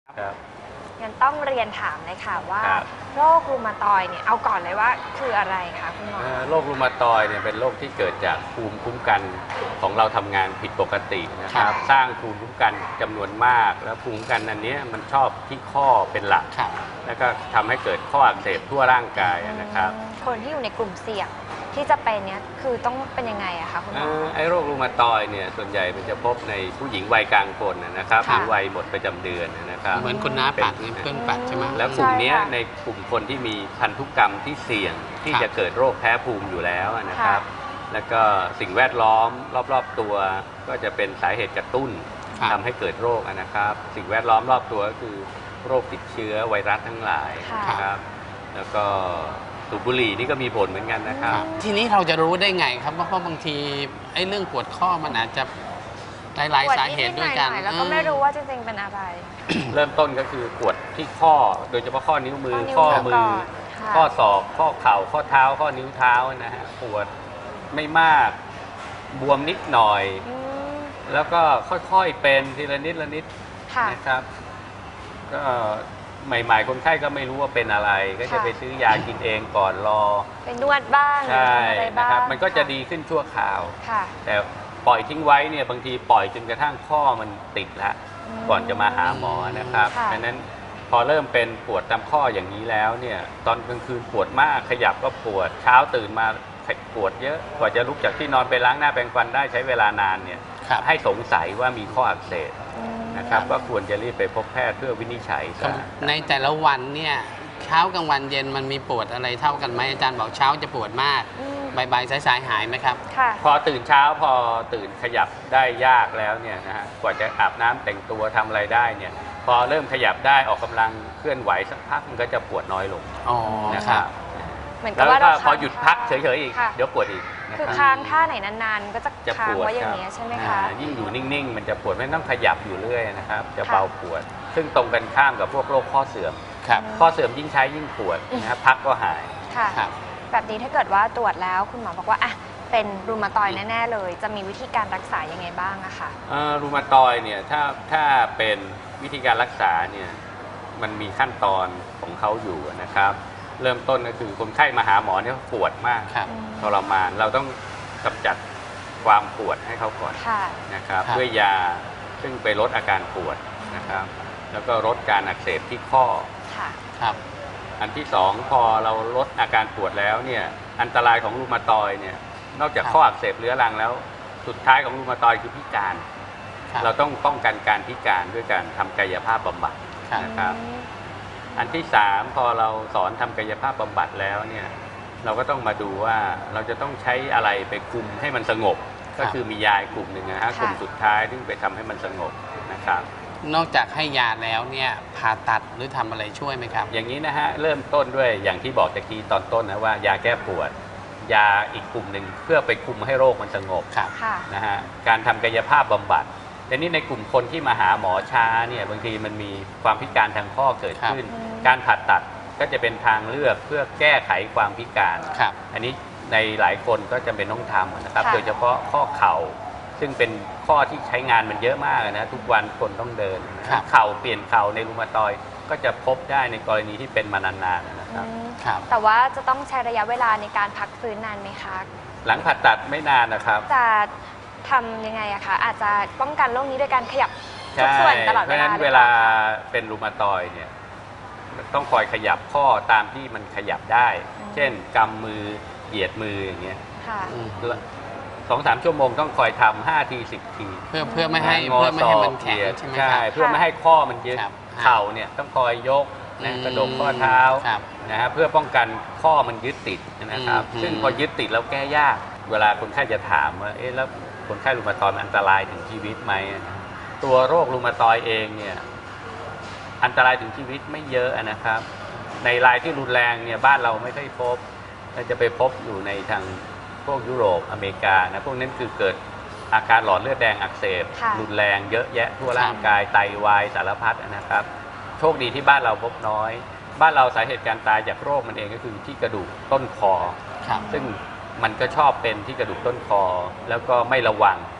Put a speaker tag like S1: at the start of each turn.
S1: ครับ
S2: งั้นต้องเรียนถามเลยค่ะว่าโรครูมาตอยเนี่ยเอาก่อนเลยว่าคืออะไรคะคุณหมอ
S1: โรครูมาตอยเนี่ยเป็นโรคที่เกิดจากภูมิคุ้มกันของเราทำงานผิดปกตินะครับสร้างภูมิคุ้มกันจำนวนมากแล้วภูมิคุ้มกันอันนี้มันชอบที่ข้อเป็นหลักแล้วก็ทำให้เกิดข้ออักเสบทั่วร่างกายนะครับ
S2: คนที่อยู่ในกลุ่มเสี่ยงที่จะเป็นเนี้ยคือต้องเป็นยังไงอะคะคุณหมอ
S1: ไอ้โรครูมาตอยเนี่ยส่วนใหญ่มันจะพบในผู้หญิงวัยกลางคนนะครับหรือวัยหมดประจำเดือนนะครับ
S3: เหมือนคุณน้าปัดนี่เพื่อนปัดใช่ไหม
S1: แล้วกลุ่มนี้ในกลุ่มคนที่มีพันธุกรรมที่เสี่ยงที่จะเกิดโรคแพ้ภูมิอยู่แล้วนะครับแล้วก็สิ่งแวดล้อมรอบๆตัวก็จะเป็นสาเหตุกระตุ้นทำให้เกิดโรคนะครับสิ่งแวดล้อมรอบตัวก็คือโรคติดเชื้อไวรัสทั้งหลายนะครับแล้วก็สูบบุหรี่นี่ก็มีผลเหมือนกันนะครับ
S3: ทีนี้เราจะรู้ได้ไงครับเพราะบางทีไอ้เรื่องปวดข้อมันอาจจะหลายสาเหตุด้วยกัน
S2: แล้วก็ไม่รู้ว่าจริงๆเป็นอะไร
S1: เริ่มต้นก็คือปวดที่ข้อโดยเฉพาะข้อนิ้วมือข้อมือข้อศอกข้อเข่าข้อเท้าข้อนิ้วเท้านะฮะปวดไม่มากบวมนิดหน่อยแล้วก็ค่อยๆเป็นทีละนิดละนิดนะครับก็ใหม่ๆคนไข้ก็ไม่รู้ว่าเป็นอะไรก็จะไปซื้อยากินเองก่อนรอ
S2: เป็นนวดบ้าง
S1: ใช่นะครับมันก็จะดีขึ้นชั่วคราวแต่ปล่อยทิ้งไว้เนี่ยบางทีปล่อยจนกระทั่งข้อมันติดแล้วก่อนจะมาหาหมอนะครับดังนั้นพอเริ่มเป็นปวดตามข้ออย่างนี้แล้วเนี่ยตอนกลางคืนปวดมากขยับก็ปวดเช้าตื่นมาปวดเยอะกว่าจะลุกจากที่นอนไปล้างหน้าแปรงฟันได้ใช้เวลานานเนี่ยให้สงสัยว่ามีข้ออักเสบนะครับก็ควรจะรีบไปพบแพทย์เพื่อวินิจฉัย
S3: ในแต่ละวันเนี่ยเช้ากลางวันเย็นมันมีปวดอะไรเท่ากันไหมอาจารย์บอกเช้าจะปวดมากบ่ายสายหายไหมครับ
S1: พอตื่นเช้าพอตื่นขยับได้ยากแล้วเนี่ยนะฮะกว่าจะอาบน้ำแต่งตัวทำอะไรได้เนี่ยพอเริ่มขยับได้ออกกำลังเคลื่อนไหวสักพักมันก็จะปวดน้อยลงนะครับแล้วก็พอหยุดพักเฉยๆอีกเดี๋ยวปวดอีก
S2: คือค้างท่าไหนนานๆก็จะค้างไว้อย่างนี้ใช่ไหมคะ
S1: ยิ่งอยู่นิ่งๆมันจะปวดไม่ต้องขยับอยู่เรื่อยนะครับจะเบาปวดซึ่งตรงกันข้ามกับพวกโรคข้อเสื่อมข้อเสื่อมยิ่งใช้ยิ่งปวดนะครับพักก็หาย
S2: แบบนี้ถ้าเกิดว่าตรวจแล้วคุณหมอบอกว่าเป็นรูมาตอยแน่ๆเลยจะมีวิธีการรักษายังไงบ้างอะคะ
S1: รูมาตอยเนี่ยถ้าเป็นวิธีการรักษาเนี่ยมันมีขั้นตอนของเขาอยู่นะครับเริ่มต้นก็คือคนไข้มาหาหมอเนี่ยปวดมากทรมานเราต้องกำจัดความปวดให้เขาก่อนนะครับด้วยยาซึ่งไปลดอาการปวดนะครับแล้วก็ลดการอักเสบที่ข้ออันที่สองพอเราลดอาการปวดแล้วเนี่ยอันตรายของรูมาตอยเนี่ยนอกจากข้ออักเสบเรื้อรังแล้วสุดท้ายของรูมาตอยคือพิการเราต้องป้องกันการพิการด้วยการทำกายภาพบำบัดนะครับอันที่สามพอเราสอนทำกายภาพบำบัดแล้วเนี่ยเราก็ต้องมาดูว่าเราจะต้องใช้อะไรไปคุมให้มันสงบก็คือมียากลุ่มหนึ่งนะฮะกลุ่มสุดท้ายที่ไปทำให้มันสงบนะครับ
S3: นอกจากให้ยาแล้วเนี่ยผ่าตัดหรือทำอะไรช่วยไหมครับ
S1: อย่างนี้นะฮะเริ่มต้นด้วยอย่างที่บอกตะกี้ตอนต้นนะว่ายาแก้ปวดยาอีกกลุ่มหนึ่งเพื่อไปคุมให้โรคมันสงบนะฮะการทำกายภาพบำบัดแต่นี้ในกลุ่มคนที่มาหาหมอช้าเนี่ยบางทีมันมีความพิการทางข้อเกิดขึ้นการผ่าตัดก็จะเป็นทางเลือกเพื่อแก้ไขความพิการอันนี้ในหลายคนก็จะเป็นต้องทำนะครับโดยเฉพาะข้อเข่าซึ่งเป็นข้อที่ใช้งานมันเยอะมากนะทุกวันคนต้องเดินเข่าเปลี่ยนเข่าในรูมาตอยก็จะพบได้ในกรณีที่เป็นมานานๆนะครับ
S2: แต่ว่าจะต้องใช้ระยะเวลาในการพักฟื้นนานไหมคะ
S1: หลังผ่าตัดไม่นานนะครับ
S2: จะทำยังไงอะคะอาจจะป้องกันโรคนี้ด้วยการขยับทุกส่วนตลอดเวลาเพราะฉะนั้น
S1: เวลาเป็นรูมาตอยเนี่ยต้องคอยขยับข้อตามที่มันขยับได้เช่นกำมือเหยียดมืออย่างเงี้ย2-3 ชั่วโมงต้องคอยทำ5 ที 10 ที
S3: เพื่อไม่ให้มันแข็งใช่ไหมครับ
S1: เพื่อไม่ให้ข้อมันยึดเข่าเนี่ยต้องคอยยกนะกระดกข้อเท้านะฮะเพื่อป้องกันข้อมันยึดติดนะครับซึ่งพอยึดติดแล้วแก้ยากเวลาคนไข้จะถามว่าแล้วคนไข้รูมาตอยมันอันตรายถึงชีวิตไหมตัวโรครูมาตอยเองเนี่ยอันตรายถึงชีวิตไม่เยอะนะครับในรายที่รุนแรงเนี่ยบ้านเราไม่ค่อยพบเราจะไปพบอยู่ในทางพวกยุโรปอเมริกานะพวกนั้นคือเกิดอาการหลอดเลือดแดงอักเสบรุนแรงเยอะแยะทั่วร่างกายไตวายสารพัดนะครับโชคดีที่บ้านเราพบน้อยบ้านเราสาเหตุการตายจากโรคมันเองก็คือที่กระดูกต้นคอซึ่งมันก็ชอบเป็นที่กระดูกต้นคอแล้วก็ไม่ระวัง